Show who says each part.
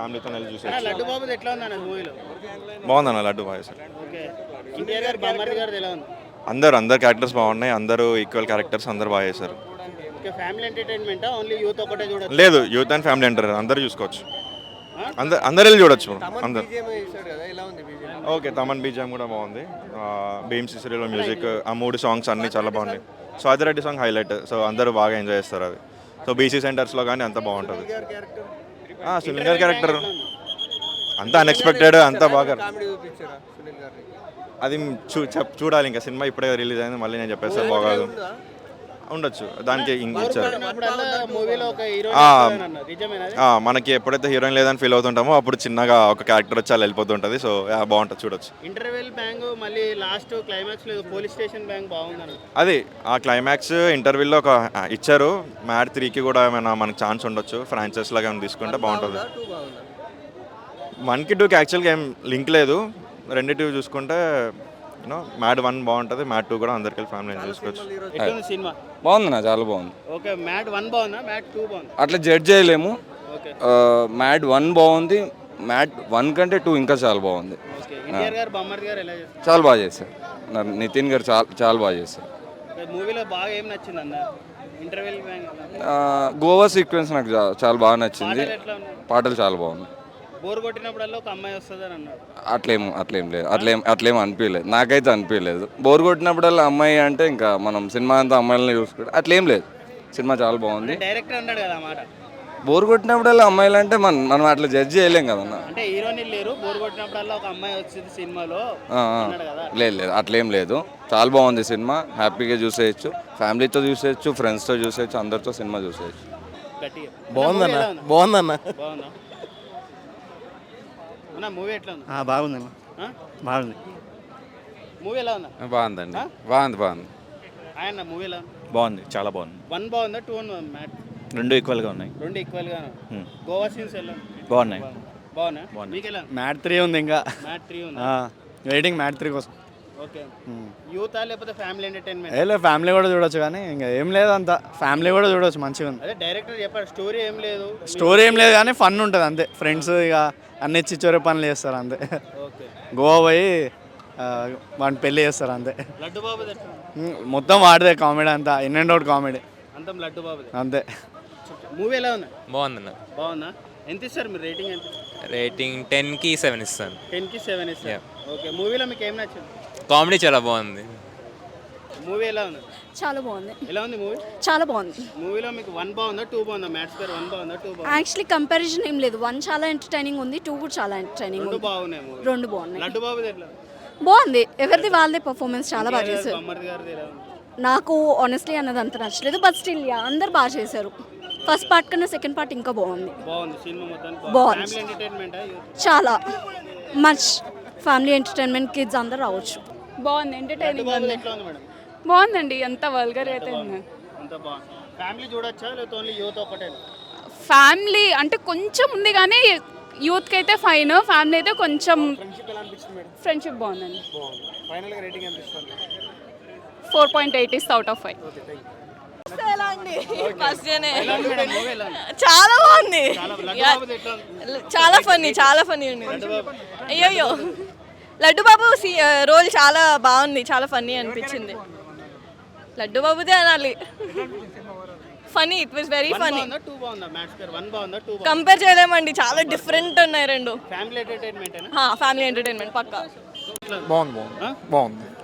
Speaker 1: ఫ్యామిలీతో వెళ్ళి
Speaker 2: అన్న,
Speaker 1: చూసేయచ్చు.
Speaker 2: లడ్డు బాబుది ఎట్లా ఉంది అన్న మూవీలో?
Speaker 1: బాగుందన్న లడ్డు బాగా చేశారు.
Speaker 2: ఓకే. ఎన్టీఆర్ గారు బామ్మర్ది గారిది ఎలా ఉంది?
Speaker 1: అందరు క్యారెక్టర్స్ బాగున్నాయి, అందరూ ఈక్వల్ క్యారెక్టర్స్, అందరు బాగా చేశారు.
Speaker 2: ఓకే. ఫ్యామిలీ ఎంటర్టైన్మెంటా ఓన్లీ యూత్ ఒకటే చూడొచ్చు?
Speaker 1: లేదు, యూత్ అండ్ ఫ్యామిలీ అంటారు, అందరు చూసుకోవచ్చు, అందరు వెళ్ళి చూడొచ్చు. అందరు ఓకే. తమన్ బీజిఎం కూడా బాగుంది. భీమ్ సిసిరిలో మ్యూజిక్, ఆ 3 సాంగ్స్ అన్నీ చాలా బాగున్నాయి. స్వాతిరెడ్డి సాంగ్ హైలైట్, సో అందరూ బాగా ఎంజాయ్ చేస్తారు అది. సో బీసీ సెంటర్స్లో కానీ అంత బాగుంటుంది. సునీల్ గారి క్యారెక్టర్ అంత అన్ఎక్స్పెక్టెడ్, అంత బాగా. అది చూడాలి, ఇంకా సినిమా ఇప్పుడే రిలీజ్ అయింది, మళ్ళీ నేను చెప్పేస్తే బాగోదు. ఉండొచ్చు, దానికి ఇచ్చారు.
Speaker 2: మూవీలో ఒక హీరోయిన్ అన్న, నిజమేనా అది?
Speaker 1: మనకి ఎప్పుడైతే హీరోయిన్ లేదని ఫీల్ అవుతుంటామో అప్పుడు చిన్నగా ఒక క్యారెక్టర్ వచ్చి అలా వెళ్ళిపోతుంటుంది. సో బాగుంటుంది, చూడొచ్చు.
Speaker 2: ఇంటర్వెల్ బ్యాంగ్ మళ్ళీ లాస్ట్ క్లైమాక్స్ లో పోలీస్ స్టేషన్ బ్యాంగ్ బాగుందన్న.
Speaker 1: అది ఆ క్లైమాక్స్ ఇంటర్వ్యూలో ఒక ఇచ్చారు. మ్యాడ్ 3కి కూడా ఏమైనా మనకు ఛాన్స్ ఉండొచ్చు, ఫ్రాంచైజ్ లాగా ఏమైనా తీసుకుంటే బాగుంటుంది. 1కి 2కి యాక్చువల్గా ఏం లింక్ లేదు, రెండిటివి చూసుకుంటే మ్యాడ్ 1 బాగుంటుంది, మ్యాడ్ 2 కూడా అందరికీ ఫ్యామిలీ చూసుకోవచ్చు.
Speaker 2: ఎట్లుంది సినిమా?
Speaker 3: బాగుందన్న, చాలా బాగుంది.
Speaker 2: ఓకే. మ్యాడ్ 1 బాగుందా, మ్యాడ్ 2 బాగుందా?
Speaker 3: అట్లా జడ్జ్ చేయలేము.
Speaker 2: ఓకే.
Speaker 3: మ్యాడ్ 1 బాగుంది, మ్యాడ్ 1 కంటే 2 ఇంకా చాలా బాగుంది.
Speaker 2: ఓకే. ఎన్టీఆర్ గారు బామ్మర్ది గారు ఎలా చేస్తారు?
Speaker 3: చాలా బాగా చేశారు. నితిన్ గారు చాలా బాగా చేశారు.
Speaker 2: మూవీలో బాగా ఏం నచ్చింది అన్న? ఇంటర్వెల్ బ్యాంగ్
Speaker 3: గోవా సీక్వెన్స్ నాకు చాలా బాగా నచ్చింది.
Speaker 2: పాటలు ఎట్లా ఉన్నాయి?
Speaker 3: పాటలు చాలా బాగున్నాయి.
Speaker 2: బోర్ కొట్టినప్పుడల్లా ఒక అమ్మాయి వస్తుందని అన్నాడు.
Speaker 3: అట్లేం లేదు, అట్లేం అనిపించలేదు, నాకైతే అనిపించలేదు. బోర్ కొట్టినప్పుడల్లా అమ్మాయి అంటే ఇంకా మనం సినిమా అంతా అమ్మాయిలని చూసుకుంటే అట్లేం లేదు. సినిమా చాలా బాగుంది.
Speaker 2: డైరెక్టర్ అన్నాడు కదా మాట.
Speaker 3: బోర్ కొట్టినప్పుడల్లా అమ్మాయిలు అంటే మనం అట్లా జడ్జ్ చేయలేం కదన్న.
Speaker 2: అంటే హీరోయిన్ లేరు, బోర్ కొట్టినప్పుడల్లా ఒక అమ్మాయి వచ్చింది సినిమాలో అన్నాడు కదా.
Speaker 3: లేదు, అట్లేం లేదు, చాలా బాగుంది సినిమా. హ్యాపీగా చూసేయచ్చు, ఫ్యామిలీతో చూసేయచ్చు, ఫ్రెండ్స్తో చూసేయచ్చు, అందరితో సినిమా చూసేయచ్చు.
Speaker 2: గట్టిగా
Speaker 4: బాగుందన్న.
Speaker 2: బాగుందా అన్న? మూవీ ఎట్లా ఉంది?
Speaker 4: బాగుందన్న, బాగుంది.
Speaker 2: మూవీ ఎలా ఉందా?
Speaker 5: బాగుందండి, బాగుంది.
Speaker 2: ఆయన మూవీ ఎలా ఉంది?
Speaker 6: బాగుంది, చాలా బాగుంది.
Speaker 2: 1 బాగుందా, 2 బాగుందా? మ్యాట్
Speaker 6: రెండు ఈక్వల్గా ఉన్నాయి.
Speaker 2: రెండు ఈక్వల్ గా. గోవా సీన్స్ ఎలా
Speaker 6: బాగున్నాయి.
Speaker 2: బాగున్నా? మీకు ఎలా?
Speaker 4: మ్యాడ్ 3 ఉంది, ఇంకా
Speaker 2: మ్యాట్ 3 ఉంది.
Speaker 4: వెయిటింగ్ మ్యాడ్ 3 కోసం.
Speaker 2: ఓకే. యూత్ లేకపోతే ఫ్యామిలీ ఎంటర్టైన్మెంట్?
Speaker 4: లేదు, ఫ్యామిలీ కూడా చూడొచ్చు, కానీ ఇంకా ఏం లేదు, అంత ఫ్యామిలీ కూడా చూడొచ్చు, మంచిగా ఉంది.
Speaker 2: అదే డైరెక్టర్ చెప్పాడు, స్టోరీ ఏం లేదు,
Speaker 4: కానీ ఫన్ ఉంటుంది అంతే. ఫ్రెండ్స్ ఇక అన్ని చిచ్చోరే పనులు చేస్తారు అంతే.
Speaker 2: ఓకే.
Speaker 4: గోవా పోయి వాడిని పెళ్లి చేస్తారు అంతే.
Speaker 2: లడ్డు బాబు
Speaker 4: మొత్తం వాడిదే కామెడీ, అంతా ఇన్ అండ్ అవుట్ కామెడీ
Speaker 2: అంతా లడ్డు బాబు
Speaker 4: అంతే.
Speaker 2: మూవీ ఎలా ఉంది?
Speaker 5: బాగుందన్న.
Speaker 2: బాగుందా? ఎంత ఇస్తారు మీరు రేటింగ్? ఎంత?
Speaker 5: రేటింగ్ 10కి 7 ఇస్తాను.
Speaker 2: 10కి 7 ఇస్తారు. ఓకే. మూవీలో మీకు ఏం నచ్చింది?
Speaker 5: కామెడీ చాలా బాగుంది.
Speaker 2: మూవీ ఎలా ఉంది?
Speaker 7: చాలా బాగుంది.
Speaker 2: ఎలా ఉంది మూవీ?
Speaker 7: చాలా బాగుంది.
Speaker 2: మూవీలో మీకు 1 బాగుందా, 2 బాగుందా? మ్యాథ్స్ పేరు 1 బాగుందా, 2 బాగుందా?
Speaker 7: యాక్చువల్లీ కంపారిజన్ ఏం లేదు. 1 చాలా ఎంటర్టైనింగ్ ఉంది, 2 కూడా చాలా ఎంటర్టైనింగ్
Speaker 2: రెండు
Speaker 7: ఉంది.
Speaker 2: బాగున్నాయి మూవీ.
Speaker 7: రెండు బాగున్నాయి.
Speaker 2: లడ్డు బాబుది ఎట్లా?
Speaker 7: బాగుంది. ఎవరిది వాళ్ళదే పర్ఫార్మెన్స్ చాలా బాగా చేశారు.
Speaker 2: బామ్మర్ది గారిది ఎలా ఉంది?
Speaker 7: నాకు ఆనెస్ట్లీ అన్నది అంత నచ్చలేదు, బట్ స్టిల్ అందరు బాగా చేశారు. ఫస్ట్ పార్ట్ కన్నా సెకండ్ పార్ట్ ఇంకా బాగుంది.
Speaker 2: బాగుంది సినిమా మొత్తానికి.
Speaker 7: బాగుంది.
Speaker 2: ఫ్యామిలీ ఎంటర్టైన్మెంట్
Speaker 7: చాలా మచ్ ఫ్యామిలీ ఎంటర్టైన్మెంట్, కిడ్స్ అందరు రావచ్చు.
Speaker 8: బాగుంది, ఎంటర్టైనింగ్ ఉంది.
Speaker 2: ఎట్లా ఉంది మేడం?
Speaker 8: బాగుందండి, అంత వల్గర్ అయితే ఉంది.
Speaker 2: అంత బాగుంది. ఫ్యామిలీ చూడొచ్చా లేకపోతే ఓన్లీ యూత్ ఒకటే?
Speaker 8: ఫ్యామిలీ అంటే కొంచెం ఉంది, కానీ యూత్కి అయితే ఫైన్, ఫ్యామిలీ అయితే కొంచెం. ఫ్రెండ్షిప్ బాగుందండి.
Speaker 2: ఫైనల్గా రేటింగ్ ఎంత ఇస్తారు?
Speaker 8: 4.8 ఇస్ అవుట్ ఆఫ్ 5.
Speaker 9: చాలా బాగుంది,
Speaker 2: లడ్డు బాబుది ఎట్లా ఉంది?
Speaker 9: చాలా ఫన్నీ ఉంది. అయ్యో లడ్డు బాబు రోల్ చాలా బాగుంది, చాలా ఫన్నీ అనిపించింది. లడ్డు బాబుదే అనాలి, funny. It was very funny.
Speaker 2: 2 బాగుందా? మ్యాథ్స్ పేరు 1 బాగుందా, 2 బాగుందా?
Speaker 9: కంపేర్ చేయలేమండి, చాలా డిఫరెంట్ ఉన్నాయి రెండు.
Speaker 2: ఫ్యామిలీ ఎంటర్టైన్మెంట్
Speaker 9: ఫ్యామిలీ ఎంటర్టైన్మెంట్ పక్కా.
Speaker 4: బాగుంది.